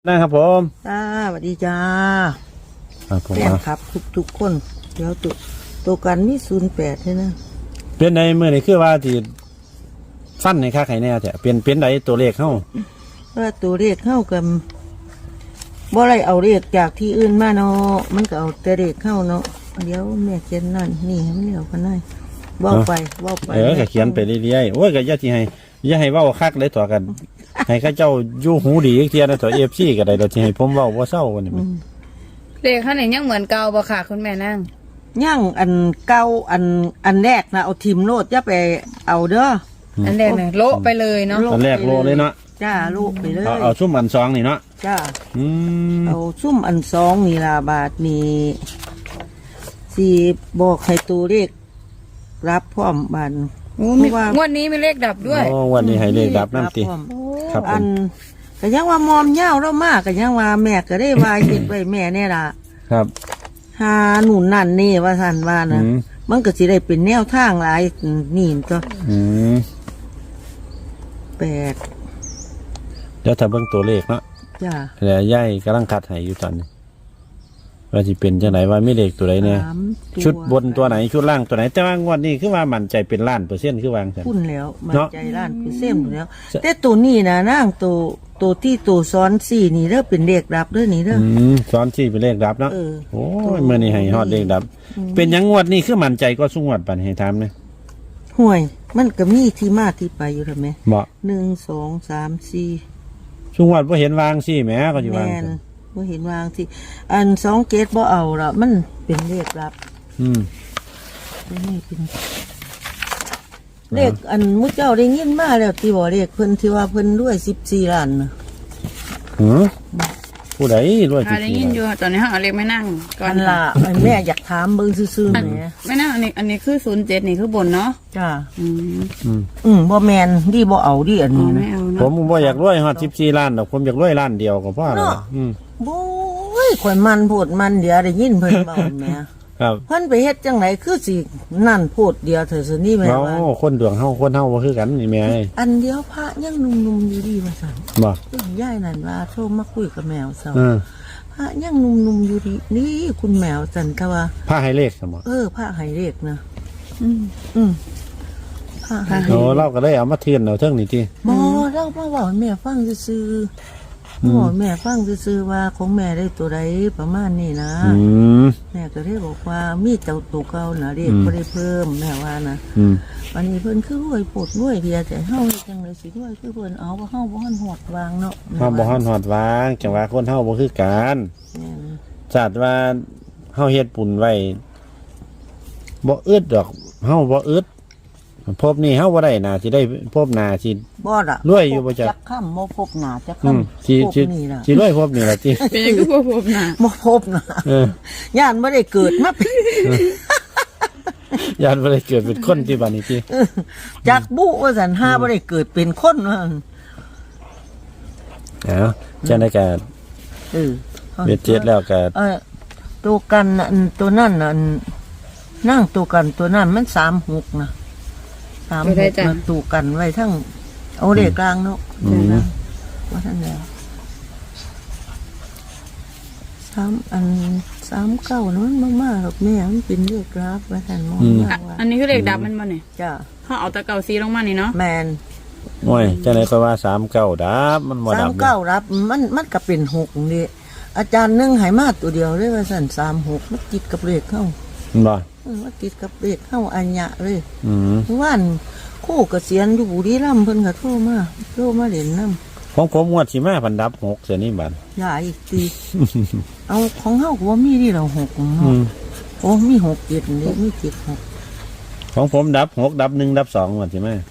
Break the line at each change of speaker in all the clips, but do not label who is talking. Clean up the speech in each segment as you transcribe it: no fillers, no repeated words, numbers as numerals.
นะครับผม
จ้าสวัสดีจ้า
ครับผม
แฟนครับทุกคนเดี๋ยวตัวกันมี08ใช่นะ
เป็นในเมื่อนี่คือว่าที่ฟันในค่าไข่แน่แต่เป็นใดตัวเลขเข้า
ว่าตัวเลขเข้ากันบ่ไรเอาเลขจากที่อื่นมาเนาะมันก็เอาแต่เลขเข้าเนาะเดี๋ยวแม่เขียนนั่นนี่ให้มันเลี้ยวกันได้เว้าไป
ก็เขียนไปเรื่อยๆโอ้ยก็อย่าที่อย่าให้เว้าคักเลยตัวกันให้ข้าเจ้าอยู่หูดีอีกเทียนะตัวFCก็ได้เราที่ให้ผมเว้าบ่เศร้ากันนี่
เลขข้างไหนยังเหมือนเก่าบ่ค่ะคุณแม่นั่ง
ย่างอันเก่าอันแรกนะเอาทิมโลดอย่าไปเอาเด้อ
อันแรกเนี่ยโละไปเลยเนาะ
อันแรกโลเลยเนาะ
จ้าโลไปเลย
เอาซุ่มอัน2นี่เนาะ
จ้าเอาซุ่มอัน2นี่ล่ะบาทนี่สิบอกให้ตัวเลขรับพร้อมบาน
งวดนี้มีเลขดับด้วย
วันนี้ให้เลขดับน้ำตีครับ
อันก็ยังว่ามอมเย้าเรามากก็ยังว่าแม่ก็ได้ว่าเห็นไว้แม่เนี่ยล่ะ
ครับ
หาหนุนนั่นนี่ว่าสันว่านะมันก็สิได้เป็นแนวทางหลายนี่ก็8
เดี๋ยวถ้าเบิ่งตัวเลขเนาะ
จ้า
แล้วย่ายกำลังคัดให้อยู่ตอนนี้ว่าสิเป็นจังไหนว่ามีเลขตัวใดเนี่ยชุดบนตัวไหนชุดล่างตัวไหนแต่ว่างวดนี้คือว่ามั่นใจเป็นล้าน%คือวางซั่น
พุ่นแล้วมั่นใจล้าน%อยู่แล้วแต่ตัวนี้นะนางตัวที่ตัวซ้อน4นี่เด้อเป็นเลขดับเด้อนี่เด้อ
ซ้อน4เป็นเลขดับเนาะโอ้ยมื้อนี้ให้ฮอดเลขดับเป็นหยังงวดนี้คือมั่นใจก็สุงวดปานให้ถามนะ
ห่วยมันก็มีที่มาที่ไปอยู่แล้วแม่
บ่
1 2 3 4
สุงวดบ่เห็นวางซี่แหมก็สิวาง
บ่เห็นวางสิอัน2เกตบ่เอาละมันเป็นเลขลับนี่เป็นเลขอันมุเจ้าได้ยินมาแล้วที่บ่เลขเพิ่นที่ว่าเพิ่นรวย14ล้านน่ะ
ผู้ใดรวย
ได้ยินอยู่ตอนนี้เฮาเอาเลขไม่นั่ง
ก่อนล่ะแม่อยากถามเบิ่งซื่อๆแหม
ไม่นั่งอันนี้คือ07นี่คือบนเนาะ
จ้าบ่แม่นดิบ่เอาดิอันนี้นะ
ผมบ่อยากรวยฮอด14ล้านดอกผมอยากรวยล้านเดียวก็พอแล้ว
โอ้ยข่อยมันโพดมันเดี๋ยวได้ยินเพิ่นเว้าแม่
ครับ
เพิ่นไปเฮ็ดจังไดคือสินั่นโพดเดียวเถอะซะนี่แม่ว่า
คนดวงเฮาคนเฮาบ่คือกันนี่แม่
อันเดียวพระยังหนุ่มๆอยู่ดีว่าซั่น
บ่
ยายนั่นว่าโทรมาคุยกับแมวเซาพระยังหนุ่มๆอยู่ดีนี่คุณแมวซั่นถ้าว่า
พระให้เลขซั่นบ่
พระให้เลขนะ
พระให้เราก็ได้เอามาเทียนเอาเทิงนี่ติ
บ่เรามาเว้าให้แม่ฟังซื่อแม่ฟังซื่อๆว่าของแม่ได้ตัวใดประมาณนี้นะแม่ก็ได้บอกว่ามีเจ้าตัวเก่าน่ะเรียกบ่ได้เพิ่มแม่ว่านะวันนี้เพิ่นคือรวยปวดรวยเพียแต่เฮาจังได๋สิรวยคือเพิ่นเอาว่าเฮาบ่ทันฮอดวางเนาะ
เฮาบ่ทันฮอดวางจังว่าคนเฮาบ่คือกันชาติว่าเฮาเฮ็ดบุญไว้บ่อึดดอกเฮาบ่อึดพบนี่เฮาบ่ได้น่าสิได้พบหน้าสิ
บ่ล่ะ
รวยอยู่บ่จัก
ค่ำบ่พบหน้าจักค่ำ
สิรวยพบนี่ล่ะติ
เป็นคือบ่พบหน้า
บ่พบหน้าย่านบ่ได้เกิดมา
ย่านบ่ได้เกิดเป็นคนที่บัดนี้ติ
จักบุว่าซั่นหาบ่ได้เกิดเป็นคนว่า
จังได๋ก็เบ็ดเจ็ดแล้วก็
ตัวกันตัวนั้นน่ะนั่งตัวกันตัวนั้นมัน36นะ36ตัวกันไว้ทั้งเอาเลขกลางเนาะว่าท่านแล้ว39นั้นมากๆหรอกแม่มันเป็นเลขกราฟว่าท่านมองว่า
อันนี้คือเลขดับมันบ่นี่
จ้า
เฮาเอาตะเก่าซีลงมานี่เนาะ
แม่น
โอ้ยจังได๋ก็ว่า39ดับมันบ่ดับ
39รับมันก็เป็น6นี่อาจารย์นึงให้มาตัวเดียวเลยว่าซั่น36มันติดกับเลขเข้า
บ่
มันติดกับเลขเข้าอัญญะเลยว่านคู่เกษียณอยู่บุรีรัมย์เพิ่นก็โทรมาเล่นนำ
ของผมงวดสิมาพันดับ6เสียนี่บัด
อย่าอีกทีเอาของเฮาก็บ่มีนี่เรา6เนาะโอ้มี6 7นี่มี7 6
ของผมดับ6ดับ1ดับ2งวดสิมา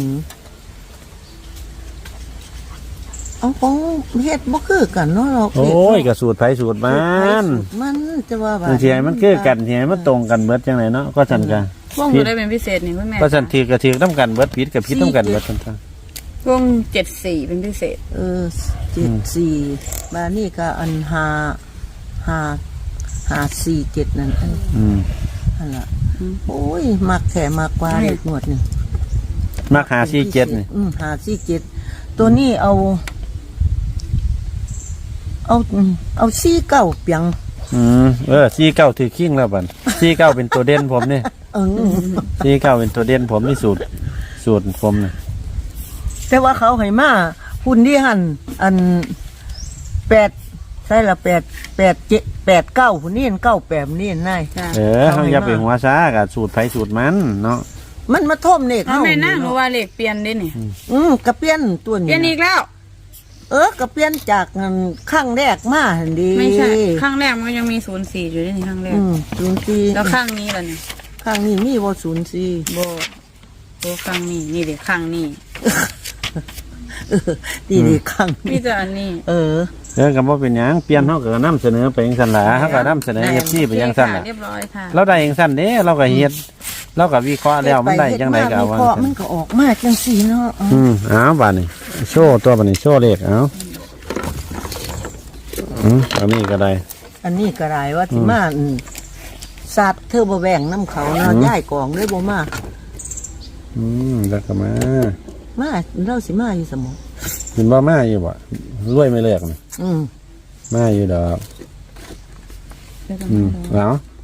เอาของเฮ็ดบ่คือกันเนาะเรา
โอ้ยก็สูตรไผสูตรมัน
จะว่า
บางทีมันคือกันทีมันตรงกันเบิดจังได๋เนาะก็ซั่นกัน
วงอยู่ได้เป็นพิเศษนี่เพิ่นแม่
ก็ซั่นทีก็ทีนำกันเบิดผิดก็ผิดนำกันเบิดซั่น
วง74เป็นพิเศษ
74บานี่ก็อัน547นั่นนั่นล่ะโอ้ยมักแท้มากกว่าเลขงวดนี่
มัก547นี่
547ตัวนี้เอาเอาซี่เก้าเปียง
ซีเก้าถือขิ้งแล้วบัดซีเก้าเป็นตัวเด่นผมนี่
เออ
ซีเก้าเป็นตัวเด่นผมนี่สูตรผมนี่
แต่ว่าเขาให้มาหุ่นที่หันอัน8ใช่ละ8 หุ่นนี่เก้าแปดนี่นาย
จ้ะ
เขาอย่าไปหัวซ่ากับสูตรไผสูตรมันเนาะ
มันมาท่มเนก
เอาแม่นั่งหนูว่าเลขเปลี่ยนได้นี่
กระเปียนตัว
เปลี่
นี้
ยนอีกแล้ว
กระเปียนจากข้างแรกมาหันดี
ไม่ใช่ข้างแรกมันยังมี04อยู่ด้วยนี่ข้างแรก
04
แล้วข้างนี้ล่ะนี่
ข้างนี้มีบ่04
โบข้างนี้นี่เด็กข้างนี้
ดีดีข้าง
มีแต่อันนี้
ก็บ่เป็นหยังเปลี่ยนเฮาก็นำเสนอไปจังซั่นล่ะเฮาก็นำเสนอ FC ไปจังซั่นล่ะ
เรียบร้อยค่ะ
เราได้จังซั่นเด้เราก็เฮ็ดเราก็วิเคราะห์แล้วมันได้จังไดก็เอาว่า
วิเคราะห์มันก็ออกมาจังซี่เนาะ
เอาบัดนี้โชว์ตัวบัดนี้โชว์เลขเอาอันนี้ก็ได้
อันนี้ก็ได้ว่าสิมาสัตว์เธอบ่แบ่งน้ำเขาเนาะย้ายกองเลยบ่มา
แล้วก็มา
เราสิมาอยู่สมอง
เห็นบ่มาอยู่บ่รวยไม่เลิกนี่ มาอยู่ดอกเอา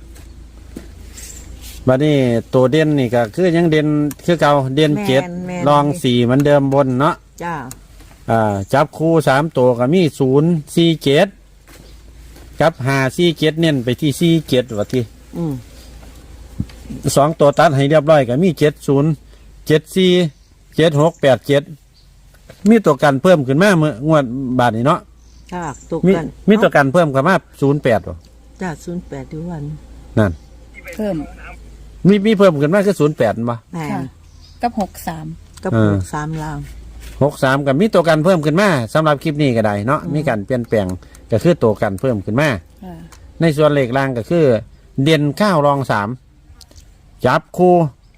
บัดนี้ตัวเด่นนี่ก็คือยังเด่นคือเก่าเด่น7รอง4เหมือนเดิมบนเนาะ
จ้า
จับคู่3ตัวก็มี047กับ547เน้นไปที่47ว่าที่2ตัวตัดให้เรียบร้อยก็มี70 74 76 87มีตัวกันเพิ่มขึ้นมาเมื่องวดบาทนี้เนาะ
จ้าตกกัน
มีตัวกันเพิ่มขึ้นมา08บ่
จ้า08ทุกวัน
นั่น
เพิ่ม
มีเพิ่มขึ้นมาคือ08บ่
แม่
ค่ะ กับ63
กับ3ลาง
63กับมีตัวกันเพิ่มขึ้นมาสำหรับคลิปนี้ก็ได้เนาะมีการเปลี่ยนแปลงก็คือตัวกันเพิ่มขึ้นมา
ค่ะ
ในส่วนเลขล่างก็คือ เด่น9รอง3จับคู่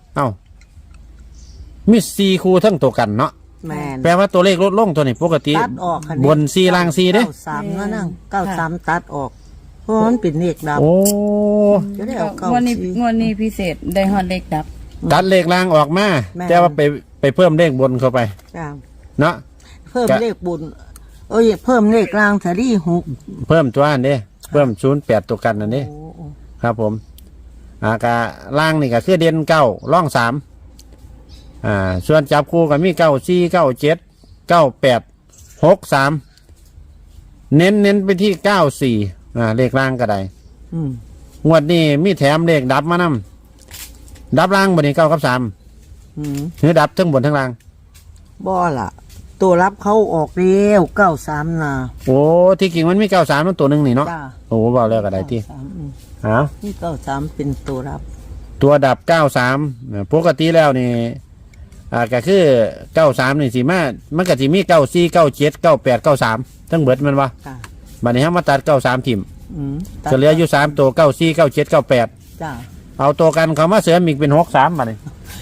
มี4คู่ทั้งตัวกันเนาะ
แม่น
แปลว่าตัวเลขลดลงตัวนี้ปกติ
ตัดออกค่ะ
บน4ล่าง4เด้
93นั่นน่ะ93ตัดออกเพราะมันเป็นเลขดับ
โอ้
จะได้เอาเก้าง
วดนี้
สี่
งวดนี้พิเศษได้ฮอดเลขดับ
ตัดเลขล่างออกมา
แม่
แต่ว่าไปเพิ่มเลขบนเข้าไป
จ้า
เนาะ
เพิ่มเลขบุญเพิ่มเลขกลางสารีหก
เพิ่มตัวอันเด้เพิ่ม08ตัวกันนั่นเด้
โอ้
ครับผมกะล่างนี่ก็คือเด่น9ร่อง3ส่วนจับคู่ก็มี9 4 9 7 9 8 6 3เน้นไปที่94เลขล่างก็ได้ งวดนี้มีแถมเลขดับมานำดับล่างบนนี้9 กับ3หรือดับทั้งบนทั้งล่าง
บ่ล่ะ ตัวรับเขาออกเร็ว93น่ะ
โอ้ที่จริงมันมี93นั่นตัวหนึ่งนี่เนาะ
จ้า
โอ้บอกแล้วก็ได้ที่
93
อ้าว
นี่93เป็นตัวรับ
ตัวดับ93ปกติแล้วนี่ก็คือ93นี่สิมามันก็สิมี94 97 98 93ทั้งเบิดแมันวะ
จ้า
บัดนี้เฮามาตัด93ทิ่ม
ตัด
จะเหลืออยู่3ตัว94 97 98
จ้า
เอาตัวกันเขามาเสริมอีกเป็น63บัดนี้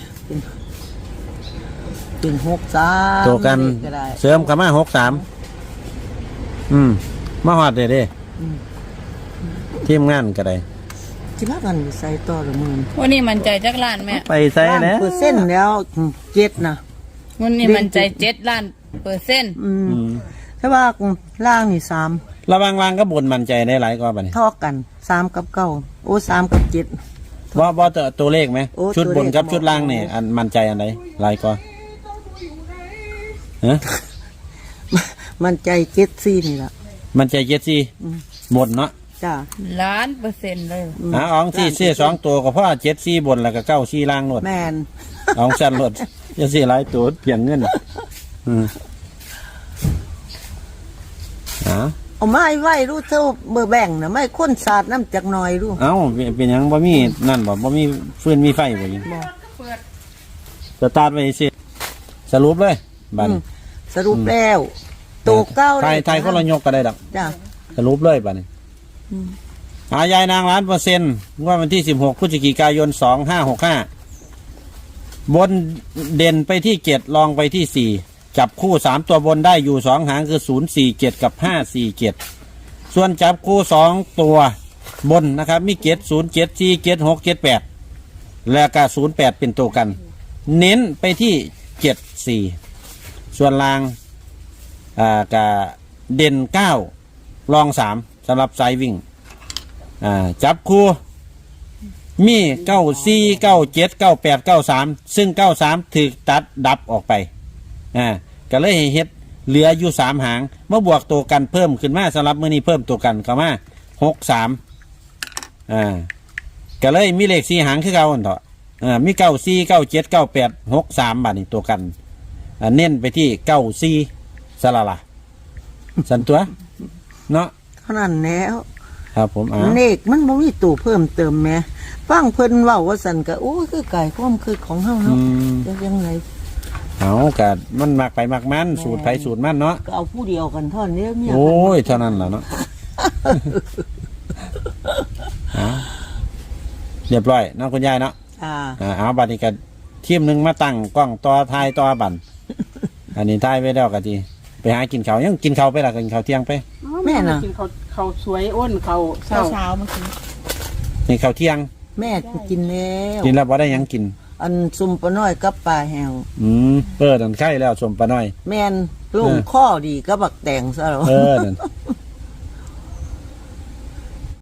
เป็น63
ตัวกัน
ก็ได้
เสริมเขามา63มาฮอดเด้ทีมงานก็ได้
สิพากันใส่ต่อละมื้อ
วันนี้มันใจจักล้านแม่
ไปใส่แล้ว
เปอร์เซ็นต์แล้ว7นะ
วันนี้มันใจ7 ล้านเปอร์เซ็นต์
แต่ว่าล่างนี่3
ระวังล่างก็บนมั่นใจได้หลายกว่าบัดนี้
เท่ากัน3กับ9โอ้3กับ7
ว่าตัวเลขไหม
โอ้
ชุดบนกับ
ตัวเลข
ชุดล่างนี่อันมั่นใจอันไหนหลายกว่าฮะ
มันใจ74นี่ล่ะ
มันใจ74บนเนาะ
จ้า
ล้านเปอร์เซ็นต์เลย
อ๋องที่เสีย2ตัวก็เพราะ74บนแล้วก็94ล่างโลด
แม่น
อ๋องสั้นโลดจะสิหลายตัวเปลี่ยนเงิน
เอาไม้ไว้รู้เท่าเบอร์แบ่งนะไม่ค้นสาดน้ำจากหน่อยรู้
เอ้าเป็นหยังบ่มีนั่นบ่มีฟืนมีไฟบ่ยิงสตาร์ทไว้สิสรุปเลยบัดนี้
สรุปแล้วตัวเก้า
ไทยคนละยกก็ได้ดอก
จ้า
สรุปเลยบัดนี้ยายนาง1,000,000%งวดวันที่16พฤศจิกายน2565บนเด่นไปที่7รองไปที่4จับคู่3ตัวบนได้อยู่2หางคือ047กับ547ส่วนจับคู่2ตัวบนนะครับมี707 47 6 78แล้วก็08เป็นตัวกัน เน้นไปที่74ส่วนล่างก็เด่น9 รอง3สำหรับสายวิ่งจับคู่มี94 97 98 93ซึ่ง93ถูกตัดดับออกไปก็เลยให้เฮ็ดเหลืออยู่3หางมาบวกตัวกันเพิ่มขึ้นมาสำหรับมื้อนี้เพิ่มตัวกันเข้ามา63ก็เลยมีเลข4หางคือเก่าอันเถาะมี94 97 98 63บาดนี้ตัวกันเน้นไปที่94สละล่ะสันตัวเนาะ
เท่านั้นแล้ว
ครับผม
เลขมันบ่มีตู้เพิ่มเติมแหมฟังเพิ่นเว้าว่าซั่นก็โอ้คือไก่ความคือของเฮาเนาะจะยังไง
เอากัมันมักไปมักมันสูตรไผสูตรมันเนาะ
ก็เอาผู้เดียวกันเท่านี้เมีย
โอ้ยเท่านั้นแหละเนาะ เรียบร้อยเนาะคุณยายเนาะเอาบัดนี้ก็ทีมหนึงมาตั้งกล้องต่อทายต่อบัน อันนี้ทายไว้แล้วก็ทีไปหากินข้าวยังกินข้าวไปล่ะกินข้าวเที่ยงไป
แม่น่ะ
กินเขาสวยอ้นเขาเช้าเมื่อกี้
นี่ข้าวเที่ยง
แม่กินแล้ว
กินแล้วบ่ได้หยังกิน
อันซุ่มปลาน้อยกับปลาแห้ง
เปิดอันไข่แล้วสมปลาน้อย
แม่นลงข้อดีก็บักแตงซะแล้ว
นั่น